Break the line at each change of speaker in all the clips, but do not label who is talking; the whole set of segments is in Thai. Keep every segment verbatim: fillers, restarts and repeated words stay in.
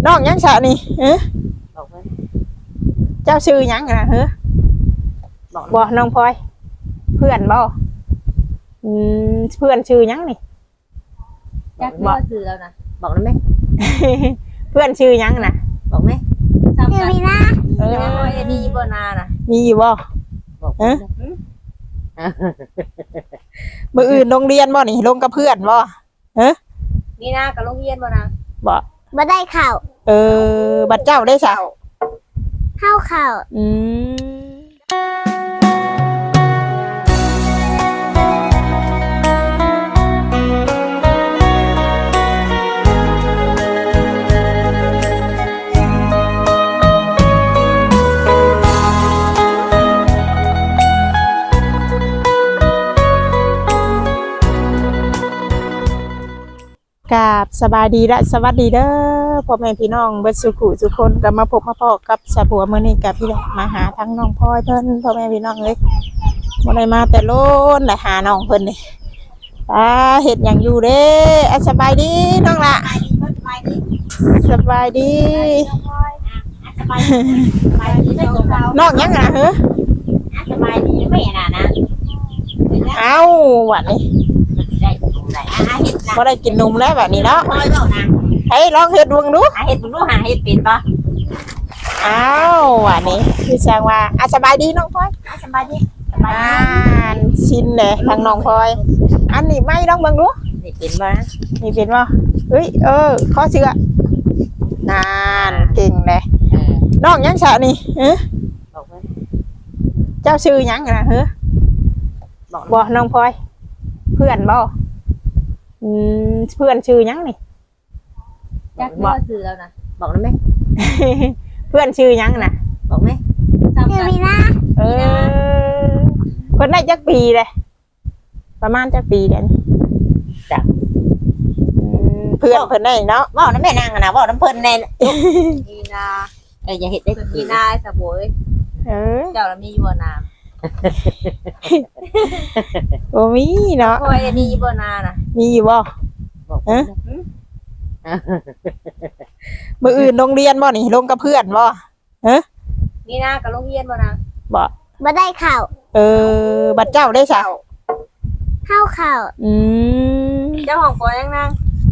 น้องยังสะนี่เอ้อ
บอกเพิ่น
เจ้าชื่อยังนะเฮ้อ
บอก
บ่น้องพลอยเพื่อนบ่อืมเพื่อนชื่อยังนี่
จักบ่ซื้อแล้วนะ
บอกได้ไหม
เพื่อนชื่อยังนะ
บอกไหม
ซ้ำกัน
เออ
ยังบ่อันนี้บ่นาน่ะ
มีอยู่บ่
บอก
เอ๊ะ
เพิ่น
มื้ออื่นโรงเรียนบ่นี่ลงกับเพื่อนบ่
มีนากับโรงเรียนบ่นะ
บ่
บ่ได้ข่าว
เออบัดเจ้าได้ซะ
เข้าข่าว
อืมกราบสบายดีและสวัสดีเด้อพ่อแม่พี่น้องเบิดสุขุทุกคนก็มาพบมาพอกับสะบัวมื้อนี้กับพี่แหละมาหาทั้งน้องพลอยเพิ่นพ่อแม่พี่น้องเอ้ยบ่ได้มาแต่โลนและหาน้องเพิ่นนี่ตาเฮ็ดหยังอยู่เด้อะสบายดีน้องล่ะสบายดี
สบายดีสบายดีเจ้าเรา
น้องยังอ่ะเฮ้อ
สบายดีไม่น่ะนะ
เอ้าบัดนี้
ได้ตรงไหนอ่ะเฮ็ดนะ
บ่ได้กินนมแล้วบัดนี้เนาะ
พอยเว้านะ
เฮ้ยลองเฮ็ดดวงดู
หาเฮ็ดบ่รู้หาเฮ็ดเป็นบ่
เอ้าบัดนี้พี่แซงว่าอ่ะสบายดีน้องพลอย
สบายดีสบาย
อ่า
ดี
ชินเลยทางน้องพลอย อันนี้ไม่ต้องเบิ่งดู
นี่เป็นบ่
นี่เป็นว่าเฮ้ยเออข้อเสือนานเก่งเลย
เออ
น้องยังสะนี่เอ้อ
บอกเพิ่น
เจ้าชื่อยังนะเฮ้อ
บอก
บ่น้องพลอย เพื่อนบ่อืมเพื่อนชื่อยังนี่
จักบ่ซื้อแล้วนะ
บอกได้ไหม
เพื่อนชื่อยังนะ
บอกไหม
ซ้ำกัน
มีนะ
เออเพิ่นได้จักปีเลยประมาณจักปีเดี๋ยวนี้
จ้ะ
อืมเพื่อนเพิ่นได้เนาะ
บอกได้แม่นางอะนะบอกน้ำเพิ่นแน่
มีนา
เอออย่าเห็ดได้
มีนาสะโบย
เออ
เจ้าละมีอยู่บ่นา
โอ้มีเนาะ
พอยอันนี้บ่นาน่ะ
มีอยู่บ่
บอกเพิ่น
มื้ออื่นโรงเรียนบ่นี่ลงกับเพื่อนบ่
มีนากับโรงเรียนบ่นะ
บ่
บ่ได้ข่าว
เออบัดเจ้าได้ซะ
เข้าข่าว
อืม
เจ้าของปอยังนาง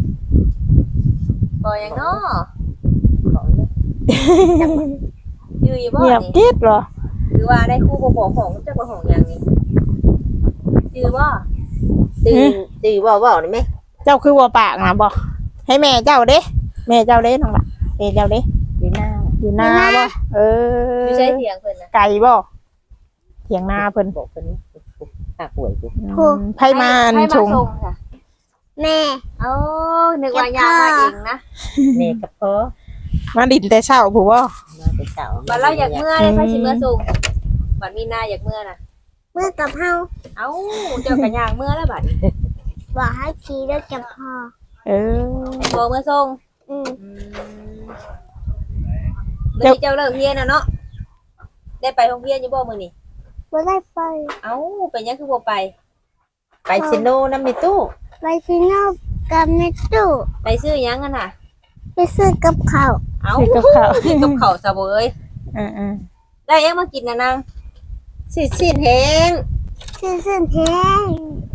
ปอยังเนาะ
บอกได้ไหม
อยู่อยู่บ่
เงียบ
นี่
กิ๊ดเหรอ
หรือว่าได้คู่บ่บอกของเจ้าบ่ของหยังนี่ชื่อบ่
ตื่นตื่นบอกบอกได้ไหม
เจ้าคือวัวปากนะบ่ให้แม่เจ้าเด้แม่เจ้าเด้น้องล่ะแม่เจ้าเด้
อยู่หน้า
อยู่นาบ่เออ
อยู่ใช้เสียงเพิ่นน่ะ
ไก่บ่เถียงนาเพิ่น
บอกเพิ่นหาป่วยกู
อืมไผมาอัน
ให้
ช
มาง ส่งค่ะ
แม่
เอ้านึกว่ายามาเองนะ
แม่กับพ่อ
มาดินแต่เช้าผู้บ่
มาเป็นเต่า
บัดเราอยากเมื่อเลยพาสิเมื่อส่งบัดมีนาอยากเมื่อน่ะ
เมื่อกับเฮา
เอ้าเจ้าก็ย่างเมื่อแล้วบัด
บอกให้ขี่รถกับพ่อ
เออ
บ่เมื่อส่ง
อืม
อืมเดี๋ยวนี้เจ้าเลิกเรียนน่ะเนาะได้ไปโรงเรียนอยู่บ่มื้อนี้
บ่ได้ไป
เอ้าเป็นหยังคือบ่ไป
ไปซิโนน้ำในตู้
ไปที่นอกกับในตู้
ไปซื้อหยังกันน่ะ
ไปซื้อกับข้าว
เอ้า
ให้กับข้าว
กินกับข้าวซะเว้ย
เออ
ได้ยังมากินน่ะนาง
สิสิ้นแห้ง
ซื้อเส้นแห้ง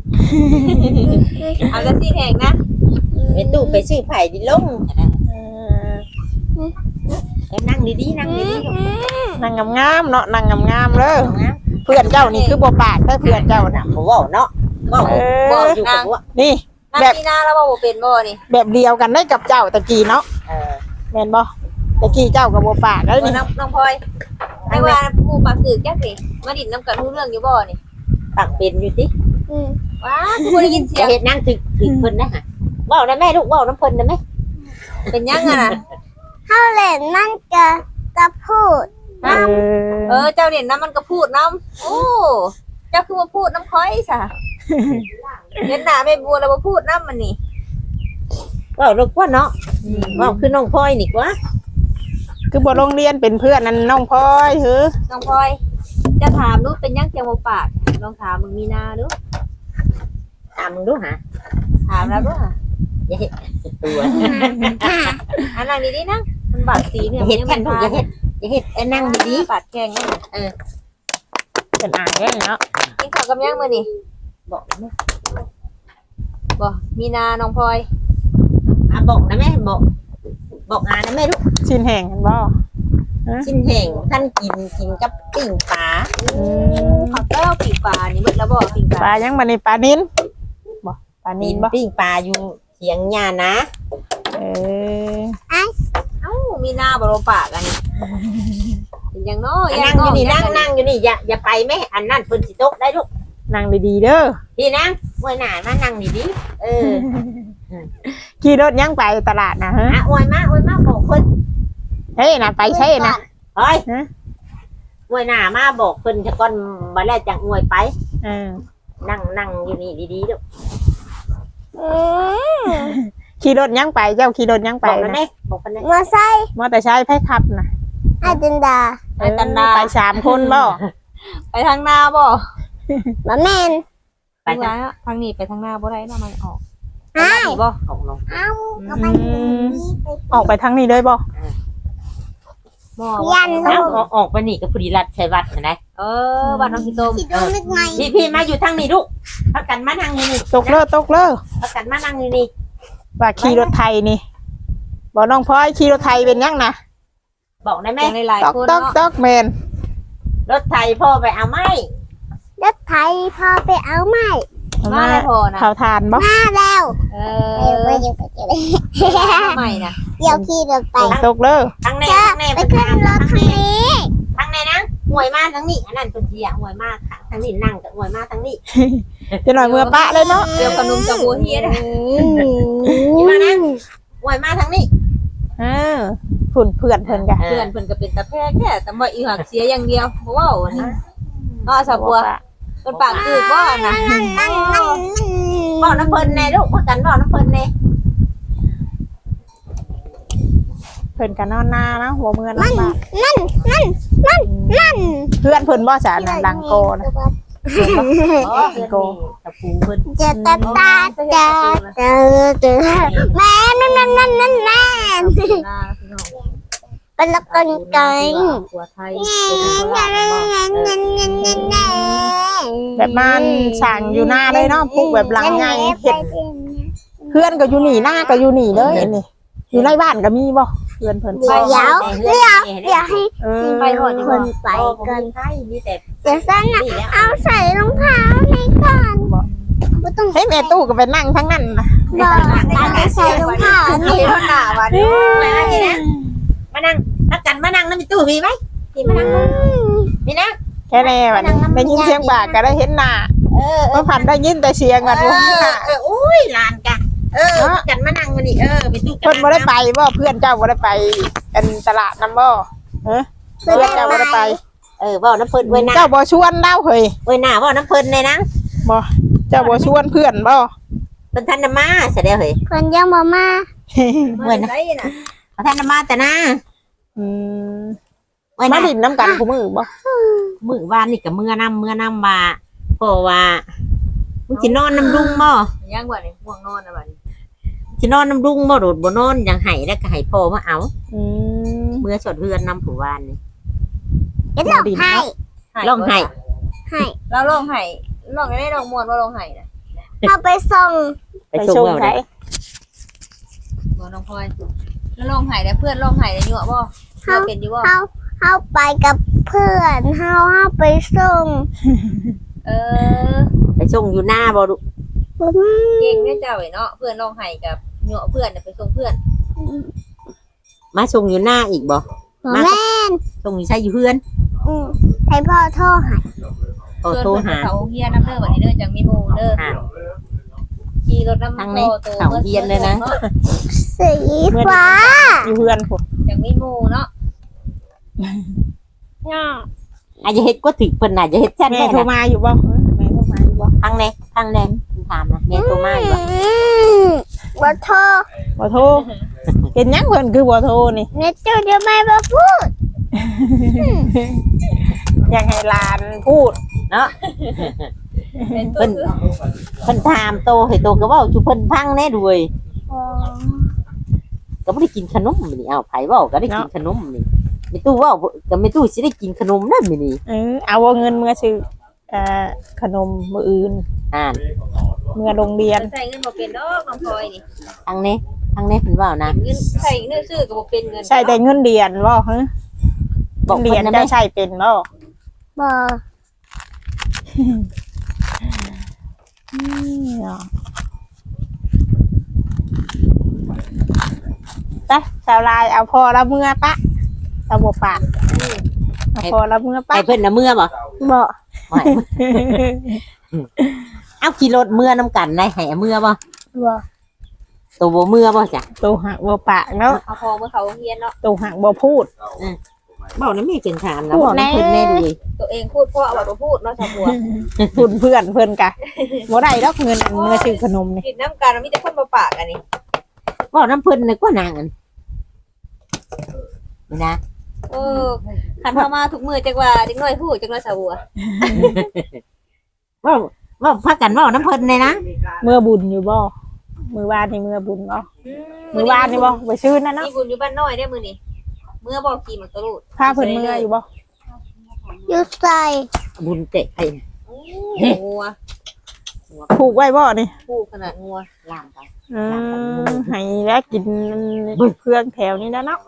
เอาแต่สิแห้งนะ
ในตู้ไปซื้อไผ่ดิลง
ๆเออ
เออนั่งดีๆนั่งดี
นั่งงามๆเนาะนั่งงามๆเด้อ
ๆนะ
เพื่อนเจ้านี่คือบ่ปากได้เพื่อนเจ้าน่ะ
บ่เว้าเนาะเว้า
เออ
เว้าอยู่กับว่า
นี่
นาง
แบบ
มีนาแล้วบ่บ่เป็นบ่นี่
แบบเดียวกันได้กับเจ้าตะกี้เนาะ
เออ
แม่นบ่ตะกี้เจ้าก็บ่ปากได้
เออ
นี่
น้องน้องพลอยให้ว่าหมู่ปากตึกจักสิมาดินน้ำกันรู้เรื่องอยู่บ่นี่
ปักเป็นอยู่ติ
อืม
ว้าคือบ่ได้ยินเสีย
จะ
ง
เฮ็ดนั่งถึกถึกเพิ่นนะฮะเว้าได้แม่ลูกเว้าน้ำเพิ่นได้ไหม
เป็นหยังอ่ะน่ะ
เฮาเล่นนั่นกับกับพูด
เอ
เอ
อ
อเจ้าเด่นน้ำมันก็พูดน้ำโอ้เจ้าคือมาพูดน้ำค่อยซะเห็นหน้าแม่บัวแล้วมาพูดน้ำมันนี่
เว้าลูกว่าเนาะเว้าคือน้องพลอยนี่กว่า
คือบ่โรงเรียนเป็นเพื่อนนั่นน้องพลอยเฮ้อ
น้องพลอยจะถามดูเป็นหยังเจ้าบ่ปากลองถามมึงมีนาดู
ถามมึงดูหา
ถามแล้วดูค่ะ
อย่าเฮ็ดตัว
ค่ะ
อันนั่งดีๆนะ
เ
มันบาดตีเนี่ย
อย่าเฮ็ดกันลูกอย่าเฮ็ดอย่าเฮ็ดไอ้นั่งดี
บาดแข้งนั่น
ๆเออ
เป็นอ่างได้เนาะ
กินข้าวกับยังมื้อนี่
บอกนะแม่
บ่มีนาน้องพลอย
อ่ะบอกนะแม่บอกบอกอานะแม่ลูก
ชิ้นแห้งกันบ่
ชิ้นแห้งท่านกินกินกับปิ้งปลา
อืม
ข้าวเต้าปีกปลานี่เบิดแล้วบ่ปีกป
ปลา
ลา
ยังบัดนี้ปลานินบ่ปลานิ
กิ
น
น
บ่
ปิ้งปลาอยู่เถียงหญ้านะ
เออ
เอ้ามีนาบ่ลงปากอันนี้เป็นหยังเนาะ
อ่ะนั่งอยู่นี่นั่งนั่งอยู่นี่อย่าอย่าไปแม่อันนั้นเพิ่นสิตกได้ลูก
นั่งดีๆเด้อ
พี่นั่งมวยหน้ามานั่งดีๆเออ
ขี่รถยังไปตลาดนะฮะ
อ่ะอวยมาอวยมาบอกเพิ่น
เฮ้ยนะไปใช่นะ
เฮ้ย
ฮะ
อวยหน้ามาบอกเพิ่นจะก่อนบ่แล้วจังอวยไป
เออ
นั่งนั่งอยู่นี่ดีๆลูก
ขี่รถยังไปเจ้าขี่รถยังไป
บอกแล้ว
นะ
แม่บอกเพิ่นนะ
มาใส่
มอเตอร์ไซค์ไผขับนะ
ไอ้จินดา
ไปตันดา
ไปสามคนบ่
ไปทางหน้าบ่
มาแมน
ไป
ไป
จ้ะ
ทางนี้ไปทางหน้าบ่ได้เนาะมันออก
อ้าว
นี่บ่
ออกลง
เอาเอาไปตรงนี้ไป
ออกไปทางนี้เลยบ่
บ่
ยัน
เอาออกออกไปนี่ก็พอดีรัดใช้วัดเห็นไหม
เออบ้านน้องพี่ต้ม
ที่ตรงนึกไง
พี่พี่มาอยู่ทางนี้ลูกพักกันมานั่งอยู่นี่
ตกเลิกตกเลิก
พักกันมานั่งอยู่นี่
ว่าขี่รถไทยนี่บ่น้องพลอยขี่รถไทยเป็นยังนะ
บอกได้ไหม
แม่หลาย
ตอก
ๆคน
ตอก
เนาะ
ตอกแมน
รถไทยพ่อไปเอาไม้
รถไถพอไปเอาไม้
มาแล้วพอนะ
เผาทานบ่
มาแล้ว
เอ
เออ
อ
ไปยังไปเจอเลย
ใหม่นะ
เดี๋ยวขี่รถไป
ตกเลิก
ทางใน
จะ
ทางใน
ไปขึ้นรถคันนี้
ทางในนะหวยมาทางนี้อันนั้นเป็นเสียหวยมาทางนี้นั่งกับหวยมาทางนี้
จะหน่อยเมื่อปะเลยเนาะ
เดี๋ยวขนมจะบัวเฮียนะ
อยู่มานะหวยมาทางนี้
เออฝุ่นเพื่อนเพิ่นกะ
เพื่อนเพิ่นก็เป็นตาแพรกแค่แต่ว่าอีหักเสียอย่างเดียวบ่เว้าอันนี้เนาะสาวบัวเพิ่นปากคือบ่นะ
นั่นนั่นนั่น
บอกน้ำเพลินแน่ลูกพักกันบอกน้ำเพลินแน่
เพิ่นกันนอนหน้านะหัวเมือนอนบ้าน
นั่นนั่นนั่นนั่น
เพื่อนเพิ่นบ่จ๋านังดังโกนะ
อ๋อเพื่อนนี่ตะปูเพิ่น
จะตาตาจะเจอเจอแม่นั่นนั่นนั่นนั่นนั่น
หน้าพี่น้อง
เป็นละกันไก่
หัวไทย
แบบมันสั่งอยู่หน้าเลยเนาะปลูกแบบหลังไงเฮ็ดเพื่อนก็อยู่นี่หน้าก็อยู่นี่เลยนี่อยู่ในบ้านก็มีบ่เพื่อนเพิ่น
เดี๋ยวเดี๋ยวเดี๋ยวเดี๋ยวให้
เออ
ไปหอดดี
ค
กว่าน
ไปกัน
ใช่มีแต่
เดี๋ยวสั้นนะ
นี่แล้ว
เอาใส่รองเท้าในก่อนไม่ต้อง
เฮ้ยแม่ตู้ก็ไปนั่งทั้งนั้นนะ
บอกเอาใส่รองเท้า
อัน
นี่
นี้เท่าหน้าวันนี้
มาทีนะมานั่งพักกันมานั่งนั่นมีตู้มีไหมมีมานั่งมีนะ
แค่แน่บัดนี้ได้ยินเสียงบากก็ได้เห็นหน้า
เออ
บ่พันได้ยินแต่เสียง
เอ
กันบ่เห็นหน้า
ออุ้ยลานกันเออกันมานั่งมานี่เออไปตู้
เพิ่นบ่ได้ไปบ่เพื่อนเจ้าบ่ได้ไปอันตลาดนำบ่เออเพื่อนเจ้าบ่ได้ไป
เออบอกน้ำเพลินไว้หน้า
เจ้าบ่ชวนเล่าเฮ้ย
ไว้หน้าบอกน้ำเพลินเลยนะ
บ่เจ้าบ่ชวนเพื่อนบ่
เป็นท่านมาเสร็จแล้วเฮ้ย
คนยังมามา
เหมือนไดน่ะ
ท่านมาแต่นะ
อืม
ไว้ห
มา
น้า
ดินน้ำกันคู่มือบ่
มือวานนี่กับมือนำมือนำว่าเพราะว่ามึงสินอนน้ำรุงบ่
ย่างกว่านี่ง่วงนอนนะบัดนี้
สินอนน้ำรุงบ่โดดบ่นอนอย่างไห้แล้วก็ไห้พ่อมาเอา
อืม
เมื่อสดเฮือนนำผู้วานนี่
เดี๋ยวเราให้
ร้องไห้
ให้
เราลองไห้ลองได้ลองมวนว่าลองไห้น่ะ
เอาไปส่ง
ไปส่งเอา
ไส
ได้
บ่น้องพลอยแล้วลองไห้ได้เพื่อนลองไห้ได้ยั่วบ่เพื่อนเป็นอยู่บ่
เขาเขาไปกับเพื่อนเขาเขาไปส่ง
เออ
ไปส่งอยู่หน้าบ่ลูก
เก่งแม่เจ้าไอ้เนาะเพื่อนลองไห้กับยั่วเพื่อนน่ะไปส่งเพื่อน
มาส่งอยู่หน้าอีกบ่
แม่น
ส่งอยู่ใช่อยู่เฮือน
อืมให้พ่อโทรหา
โอ้
เพื่อน
โทร
เพิ่น
หา
เขาเฮียน้ำเด้อบัดนี้เด้อจังมีหมู่เด้อ
หา
ขี่รถน้ำ
ทางนี้เขาเฮียนเลยนะ
สีฟ้า
อยู่เพื่อนพุ่น
จังมีหมู่เนาะ
อาจจะเฮ็ดก็ถึกเพิ่นน่ะจะเฮ็ดแซ่บ
แม่
แม่
โทร
นะ
มาอยู่บ่แม่โทรมาอยู่บ่
ทางไหนทางแดงถามนะแม่โทรมาอยู่บ่
บ่โทร
บ่โทรเป็นหยังเพิ่นคือบ่โทรนี่
เน็ตจูเดี๋ยวไม่มาพูด
อยากให้หลานพูด
เนาะ
เป็น
เพิ่นเพิ่นถามโตให้โตก็เว้าจุเพิ่นพังแน่ด้วยโตก็บ่ได้กินขนมมื้อนี้เอาไผเว้าก็ได้กินขนมนี่ไม่ตู้เว้าก็ไม่ตู้สิได้กินขนมนั่นมื้อนี้
เออเอาว่าเงินเมื่อซื้อเอ่อขนมมื้ออื่น
อ่าน
เมื่อโรงเรียน
ใส่เงินบ่เป็นดอกน้องพลอยนี่
ทางนี้ทางนี้เพิ่นเว้านะ
เงินใส่เงินซื้อก็บ่เป็นเงิน
ใช่แต่เงินเดือนบ่ฮะ
บอก
เงิน
เพิ่
เดือน
นนะ
จะ
แม่
ใช้เป็นบ่
บ่
อืมเนาะไปสาวลายเอาพอละเมื่อปะเอาบ่ปากเอาพอละเมื่อปะ
ให้เพิ่นน่ะเมื่อบ่
บ่
ไม่ เอาขี่รถเมื่อนํกันได้ให้เมื่อบ่
บ่
ตัวบ่เมื่อบ่จ้ะ
ตัวหักบ่ปากเนาะ
เอาพอเมื่อเขาโรงเรียนเนาะ
ตัวหักบ่พูด
เว้านํแม่เป็นถามนะ
พูด
เว้านํเพิ่น
แน่
แน่เลย
ตัวเองพูดเพราะเอาบ่พูดเนาะชาวบัว
พูดเพื่อนเพิ่นกะบ่ได้ดอกเงินอันเมื่อซื้อขนมนี่
กินน้ำกันมีแต่คนมาปากกันนี่
เว้านํเพิ่นนึกว่านางอันนี่นะ
เออคันเข้ามาทุกมื้อจักว่าเด็กน้อยพูดจักน้อยชาวบัว
เว้าเว้าพากันเว้านํเพิ่นเลยนะ
เมื่อบุญอยู่บ่มื้อวานนี่เมื่อบุญบ่มื้อวานนี่บ่ไปซื้อนั่นเนาะ
มีบุญอยู่บ้านน้อยได้มื้อนี้เมื่อบ่กี่มันตะลุด
พาเพิ่นเมื่ออยู่บ่
อยู่ใส่
บุญเตะไผ
งัว
ผูกไว้บ่นี่
พูดขนาดงัว
ล่างไป
เออให้แล้วกินเครื่องแถวนี้แล้วเนาะ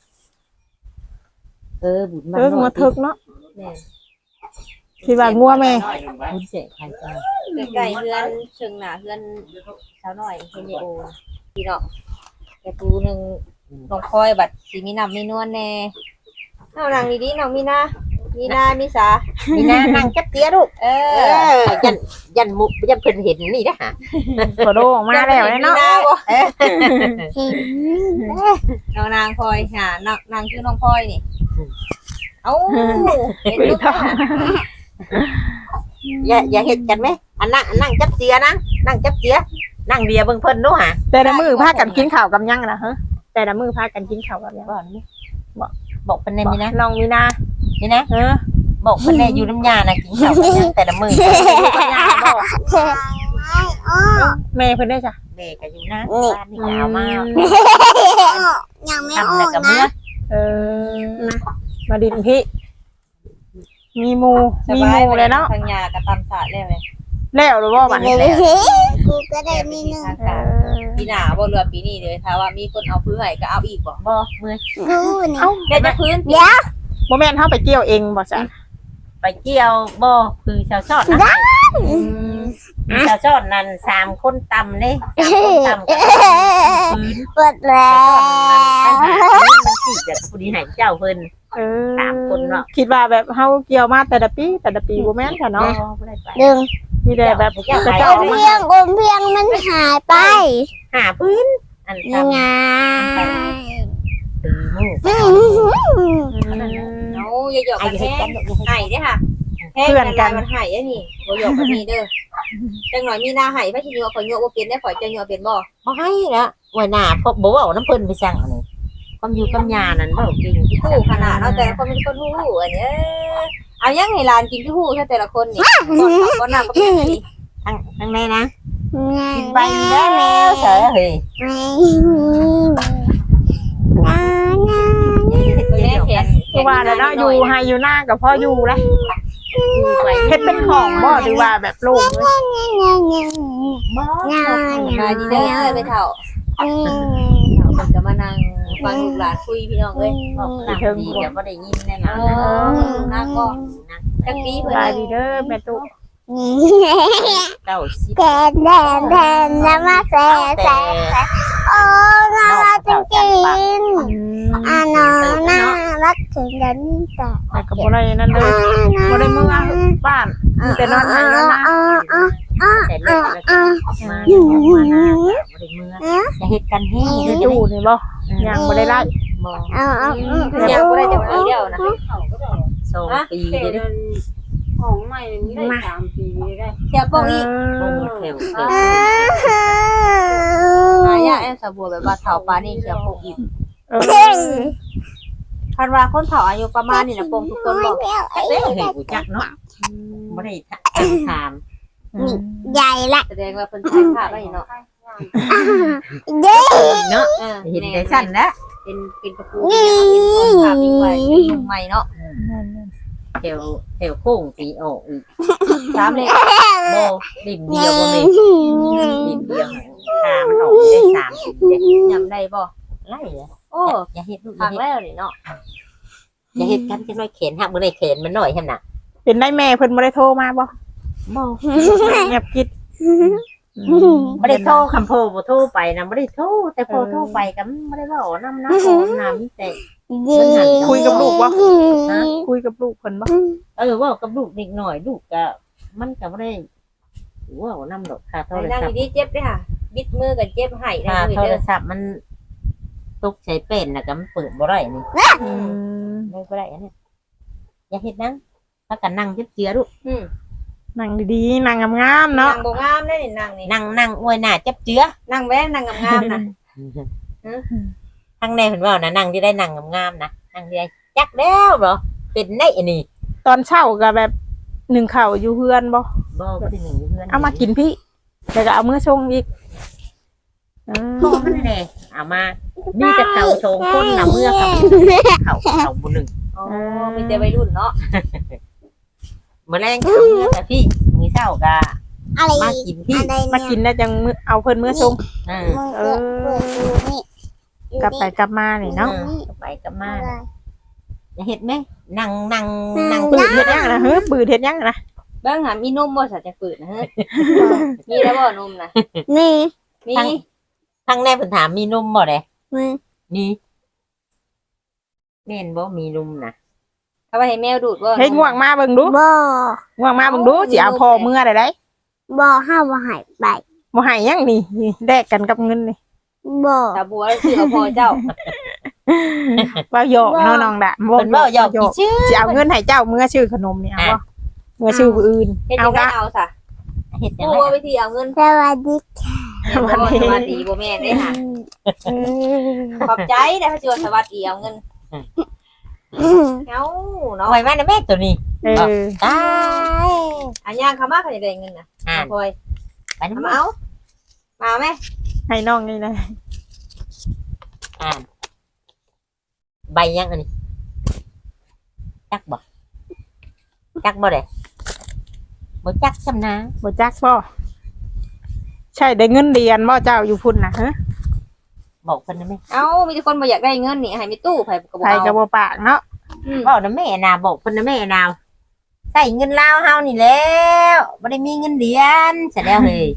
เออบุญมัน
เอองัวถึกเนาะ
แม่
คิดว่างัวแม่
บุญเตะไผจ้ะ
ใกล้ๆเฮือนเชิงหน้าเฮือนสาวน้อยเฮ็ดโอพี่น้องแต่ปูนึงน้องพลอยบัดสิมีน้ำมีนวลแน่เอานางดีๆน้องมีนามีนามีสา
นี่นะนั่งจับเตี้ยลูก
เอ
เอ
อ
อยันยันมุกยันเพิ่นเห็นนี่นะฮะ
โคโดออกมาแล้วเนาะ
เห็น
น้องนางพลอยหานางนางคือน้องพลอยนี่เอ้าเห็นลูกค่ะ
อย่าอย่าเห็นกันไหมอันนั่งอันนั่งจับเตี้ยนะนั่งจับเตี้ยนั่งเบียร์เบิ่งเพิ่นดูฮะ
แต่ละมือพากันกินข้าวกับยังนะฮะแต่ละมือพากันกินข้าวกับยัง
บอกนี่บอกบอกเพิ่นได้มีนะ
น้องมีนา
นี่นะ
เออ
บอกเพิ่นได้อยู่น้ำยานะกินข้าวกันนะแต่ละมื้อ
แม่เพิ่นได้จ้ะ
เด็กก็อยู่นะบ้านนี่ยาวมาก
ยังไม่
ทำ
อ
แล้ว
อก
ก็เมื่อ
นะ
เออมาดินพี่มีหมู
ส
มี
บา
ห
ย
มูเลยเนาะ
ทางยากับตำสาดแล้วเลย
แล้วหรือว่าบัดนี้
กูก็ได้มีหนึ่ง
ทาง
เอ
การ
อ
ปีหน้าบ่เรือปีนี้เลยถ้าว่ามีคนเอาพื้นให้ก็เอาอีกบ่
บ่เมื่อ
กูนี่
เอ้า
เดี๋ยวจะพื้น
เดี๋ยว
บ่แม่นเฮาไปเกี่ยวเองบ่จ้ะ
ไปเกี่ยวบ่คือชาวชอดนะชาวชอดนั่นสามคนตำเลยสามคนตำกันพื้น
ปวดแล้ว
มันสิแบบผู้นี้ให้เจ้าเพิ่น
เออ
สามคนเนาะ
คิดว่าแบบเฮาเกี่ยวมาแต่ละปีแต่ละปีบ่แม่นค่ะเนาะ
บ่ได้ไป
ดึง
มีแต่แบบ
เจ้า
จะ
ไป
เจ้า
อ
เอา
ม
มา
เพียงอมเพียงมันหายไป
หาพื้นอัน
ยัง
ตำ
ไง
ตื่นมือ
อืม
เอาอย่าหยอก
ไอ้
กัน
เฮ็ด
แท้
กันลูก
ให้เด้อค่ะแท้กันมันให้อันนี้บ่หยอกกันนี่เด้อจังหน่อยมีหน้าให้พระชิโยข่อยโยบ่เป็นได้ข่อยจะโยเป็นบ่
บ่ให้ละไว้หน้าพบบ่เว้าน้ำเพิ่นไปสั่งอันนี้ความอยู่กับยานั่นเว้าเก่งที่
ฮู้ขนาดเนาะแต่ละคนเป็นคนฮู้อันนี้เอายังให้หลานกินที่ฮู้ซะแต่ละคนนี่บ่บ่น่าก็เป็นนี่
ทางทางในนะ
ไง
กินไปแล้วเฉยเฮ้ย
ไม่มีงา
แม่แขน
คือว่าแล้วเนาะอยู่ให้อยู่หน้ากับพ่ออยู่ละ
อยู่ไป
เฮ็ดเป็นของบ่หรือว่าแบบโล่งเลย
งางาง
าง
มาดีเด้อไปเฒ่า เฒ่าเพิ่นก็มานั่งฟังลูกหลานคุยพี่น้องเอ้ย
บอกตามดีก็บ่ได้ยินแน่น
เอ
อน
อหน้าก็จักปีเพิ่น
สบายดีเด้อแม่ตุ๊ก
เก้าสิบ
แดนแดนแดนน้ำมาแซ่แซ่โอ้น่ารักจริงๆอ่าน้องน่ารักถึงเดินแต่
แต่ก็บ่ได้นั่นเลยบ่ได้เมื่อบ้านมีแต่นอนให้นอนนะ
แต่เล็กแล้วก็ออกมาออกมาหน้าบ่ได้เมื่อจะเฮ็ดกันแห้ง
อยู่ตู้นี่บ่ยังบ่ได้ไล่
บ่
เอาเอา
ยังบ่ได้จักปีเดียวนะ
สองปีเด้อ
ของใหม่นี่ได้สามปีได้
เที่ยวโป่งอีก
โอ้แถวแถว
นายาแอมสะบัวแบบว่าเฒ่าปานนี้เที่ยวโป่งอีก
เออ
คันว่าคนเฒ่าอายุประมาณนี้น่ะโป่งทุกคนบ่
เด้อเฮ้ยกูจักเนาะบ่ได้ถาม
ใหญ่ละ
แสดงว่าเพิ่นถ่ายภาพไว้เนาะ
เย้
เนาะ
เออ
เห็นได้สั้นแล้ว
เป็นเป็นกระปูเป็นคนขาเป็นไฟเป็นมุมใหม่เนาะ
แถวแถวโค้งสีออกอีก
สามเลย
โบดิ่งเดียวบ่แม่ดิ่งเดียวขามันออกได้สามสีเด้
ยำได้บ่
ไล่เลย
โอ้
อย่าเฮ็ดลูกอ
พั
ย่าก เฮ็ด
แล้วนี่เนาะ
อย่าเฮ็ดกันจังน้อยเข็นหักบ่ได้เข็นมันหน่อยหั่นน่ะ
เป็นได้แม่เพิ่นบ่ได้โทรมาบ่
บ่
เงียบกิด
บ่ได้โทรคำโทรบ่โทรไปนะบ่ได้โทรแต่พอโทรไปก็บ่ได้เว้านำนะของน้ำมีแต่
เย้
คุยกับลูกบ่คุยกับลูกเพิ่นบ่
เออเว้ากับลูกนิดหน่อยลูกก็มันก็บ่ได้เว้านำดอกค่าโท
ไอ้
ร
นั่ง
ศัพท์
ดีๆเจ็บเด้อค่ะ บิดมือกับเจ็บไห้ได้
ค่า
เลย
โทร
เด้อ
ศัพท์มันตกใช้เป็นน่ะก็มันเปิดบ่ได้นี่
อืม
ไม่บ่ได้อันนี้อย่าเฮ็ดนังพากันนั่งเจือๆลูก
อืม
นั่งดีๆนั่งงามๆเนาะ
นั่งบ่งามได้นี่นั่งนี่
นั่งนั่งอวยหน้าจับเจือ
นั่งแว้นั่งงามๆนะ
ทางในเพิ่นว่านะนั่งที่ได้นั่งงามๆนะนั่งที่ได้จักแล้วเหรอเป็นได้อันนี้
ตอนเช้าก็แบบหนึ่งข้าวอยู่เฮือนบ่
บ่บ่ได้หนึ่งเพื่อน
เอามากินพี่แล้วก็เอามื้อชงอีกอืม
โทรมันแน่เอามามีแต่เขาโชงคนน่ะเมื่อเขาเขาเขาบ่หนึ่ง
อ๋อมีแต่วัยรุ่นเนาะ
มื้อแรงเขาเมื่อแต่พี่มื้อเช้าก็
อะไร
มากินพี่
อะไร
มา
เนี่ย
กินแล้วจังมื้อเอาเพิ่นมื้อชง
เออ
มือเปิดเปิดดูนี่
กลับไปกลับมานี่เนาะ
ก็ไปก็มาอย่าเฮ็ดแม่นั่งนั่งนั่ง
ปืดเฮ็ดยังนะเฮ้ยปืดเฮ็ดยังนะ
เบิ่งหามีนมบ่สัตว์จะฝืดนะเฮ้ยมีแล้วบ่นมนะ
นี่
มี
ทางในเพิ่นถามมีนมบ่เด้
มือ
นี่แม่นบ่มีนมนะ
เอาไปให้แมวดูดบ่
เฮ้ยง่วงมาเบิ่งดู
บ่
ง่วงมาเบิ่งดูสิเอาพอมื้อได้ได้
บ่ห้าบ่หายไป
บ่ให้ยังนี่นี่แลกกันกับเงินนี่
บ่
ตาบัวชื่อเอาพ่อเจ้า
ว่าหยอกเนาะน้องดะ
เพิ่นเว้าหยอกอีชื่อ
สิเอาเงินให้เจ้ามื้อชื่อขนมนี่เอาบ่มื้อชื่อผู้อื่น
เฮ็ด
เอา
จังได๋
กะ
เอาซะ
เฮ็ดจัง
ผู้
ได๋
ว่าวิธีเอาเงิน
สวัสดี
บ่สวัสดีบ่แม่นเด้ค่ะ
เออ
ขอบใจได้เขาสิว่าสวัสดีเอาเงินเอ้าเนาะ
ไว้มานะแม่ตัวนี้
เออ
ตาย
อันย่างเขามาเขาจะได้เงินน่ะ
อ่า
พลอย
ไปนำ
เอา
มา
มาเอามาแม่
ให้น้องนี่นะ
อ่านใบยังอันนี้จักบ่จักบ่ได้บ่จักซำนะ
บ่จักบ่ใช่ได้เงินเดือนบ่เจ้าอยู่พุ่นน่ะฮะ
บอกเพิ่นนะแม่
เอ้ามีแต่คนบ่อยากได้เงินนี่ให้มีตู้ไผก็บ่
ใครก็
เอา
บ่ปากเนาะ
อืม
บอกนะแม่นาบอกเพิ่นนะแม่นาวใส่เงินลาวเฮานี่แล้วบ่ได้มีเงินเดือนเสร็จแล้วเฮ้ย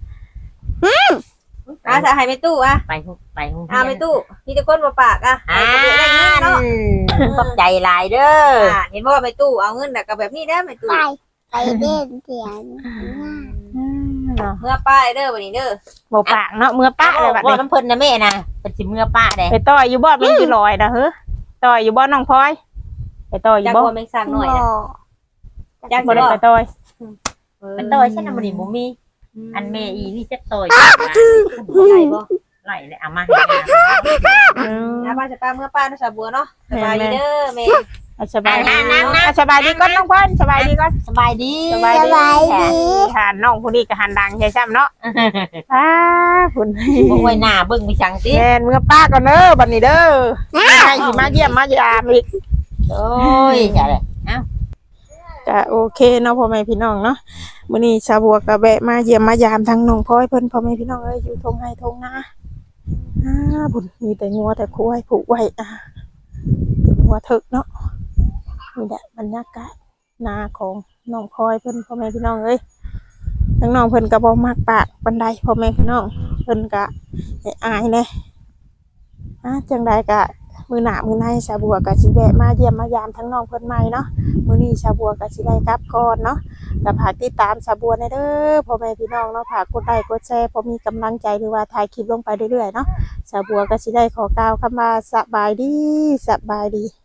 อ่ะจะให้มีตู้อ่ะ
ไปหุไปหุ
อ่ะมีตู้มีแต่คนบ่ปากอ่ะ
อ่า
ให้ก็บ่ได้เงินเนาะ
ขอบใจหลายเด้อ
อ่าเห็นบ่ว่ามีตู้เอาเงินน่ะก็แบบนี้เด้อมีตู้
ไปไปเล่นเสียง
เนาะ
เมื่อป้ายเด้อบัดนี้เด้อ
บ่ปากเนาะมื้อป้าเลยบัด
บอก
นี้
น้ำเพิ่นนะแม่นะเป็นสิเมื่อป้าเด้
ไปต่อยอยู่บ่มันสิลอยนะเฮ้อต่อยอยู่บ่น้องพลอยไปต่อยอ
จั
ยู่
ก
บ่
บ่แม่งสร้างหน่อยน่ะ จัก
บ่
สิ
ได้
บ่
ไปต่อย
มันต่อยฉันน่ะบ่ได้บ่มีอันแม่อีนี่จักต่อย
ได้บ่
ไหลเลยเอามาให้แม่
อืม
อ่ะป้าจะป้าเมื่อป้าเนาะสาวบัวเนาะสบายดีเด้อแม่
เอาสบายดีเอาสบายดีก่อนน้องพลอยสบายดีก่อน
สบายดี
สบาย
ส
ดี
บายดี
ทานน้องผู้นี้ก็หันดังใช่ซ้ำเนาะอ้าพุ่น
บ่ไว้หน้าเบิ่งไปจังติ
แม่นเมื่อป้าก่อนเด้อบัดนี้เด้อให้สิมาเยี่ยมมายามอีก
โอ้ยจ้ะเลย
ก็โอเคเนาะพ่อแม่พี่น้องเนาะมื้อนี้ชาวบัวก็แวะมาเยี่ยมมายามทั้งน้องพลอยเพิ่นพ่อแม่พี่น้องเอ้ยอยู่ทงไห้ทงนาอ่าบุญมีแต่งัวแต่ควายผูกไว้อ่าเป็นงัวเถิกเนาะนี่แหละบรรยากาศนาของน้องพลอยเพิ่นพ่อแม่พี่น้องเอ้ยทั้งน้องเพิ่นก็บ่มักปากปานใดพ่อแม่พี่น้องเพิ่นก็ให้อายแน่อ่าจังใดก็มื้อหน้ามื้อในชาวบัวก็สิแวะมาเยี่ยมมายามทั้งน้องเพิ่นใหม่เนาะมื้อนี้ชาวบัวก็สิได้กลับก่อนเนาะก็ฝากติดตามชาวบัวในเด้อพ่อแม่พี่น้องเนาะฝากกดไลค์กดแชร์พอมีกำลังใจหรือว่าถ่ายคลิปลงไปเรื่อยๆเนาะชาวบัวก็สิได้ขอกล่าวคำว่าสบายดีสบายดี